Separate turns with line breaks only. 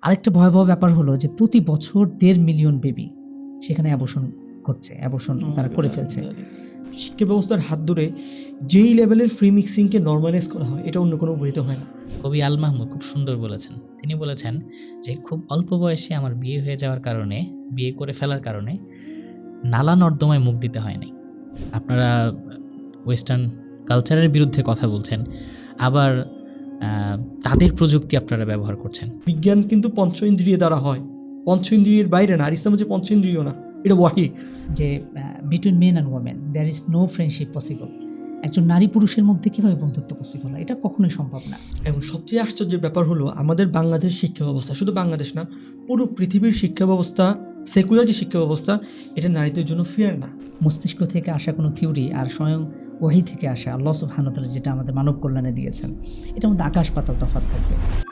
আরেকটা ভয়াবহ ব্যাপার হলো যে প্রতি বছর 1.5 মিলিয়ন বেবি সেখানে অ্যাবর্শন করছে, অ্যাবর্শন তারা করে ফেলছে।
শিক্ষা ব্যবস্থার হাত ধরে যেই লেভেলের ফ্রি মিক্সিংকে নর্মালাইজ করা হয় এটা অন্য কোনো বইতে হয় না।
কবি আল মাহমুদ খুব সুন্দর বলেছেন। তিনি বলেছেন যে খুব অল্প বয়সে আমার বিয়ে হয়ে যাওয়ার কারণে, বিয়ে করে ফেলার কারণে নালা নর্দমায় মুখ দিতে হয়নি। আপনারা ওয়েস্টার্ন কালচারের বিরুদ্ধে কথা বলছেন, আবার তাদের প্রযুক্তি আপনারা ব্যবহার করছেন।
বিজ্ঞান কিন্তু পঞ্চ ইন্দ্রিয় দ্বারা হয়, পঞ্চ ইন্দ্রিয়ের বাইরে না। আর ইসলাম হচ্ছে পঞ্চ ইন্দ্রিয় না, এটা ওয়াহি।
যে between men and women there is no friendship possible. একজন নারী পুরুষের মধ্যে কীভাবে বন্ধুত্ব পসিবল হয়? এটা কখনোই সম্ভব না।
এবং সবচেয়ে আশ্চর্যের ব্যাপার হলো আমাদের বাংলাদেশ শিক্ষা ব্যবস্থা, শুধু বাংলাদেশ না, পুরো পৃথিবীর শিক্ষা ব্যবস্থা, সেকুলার যে শিক্ষা ব্যবস্থা, এটা নারীদের জন্য ফেয়ার না।
মস্তিষ্ক থেকে আসা কোনো থিওরি আর স্বয়ং ওয়াহি থেকে আসা আল্লাহ সুবহানাহু ওয়া তাআলা যেটা আমাদের মানব কল্যাণে দিয়েছেন, এটার মধ্যে আকাশ পাতাল তফাৎ থাকবে।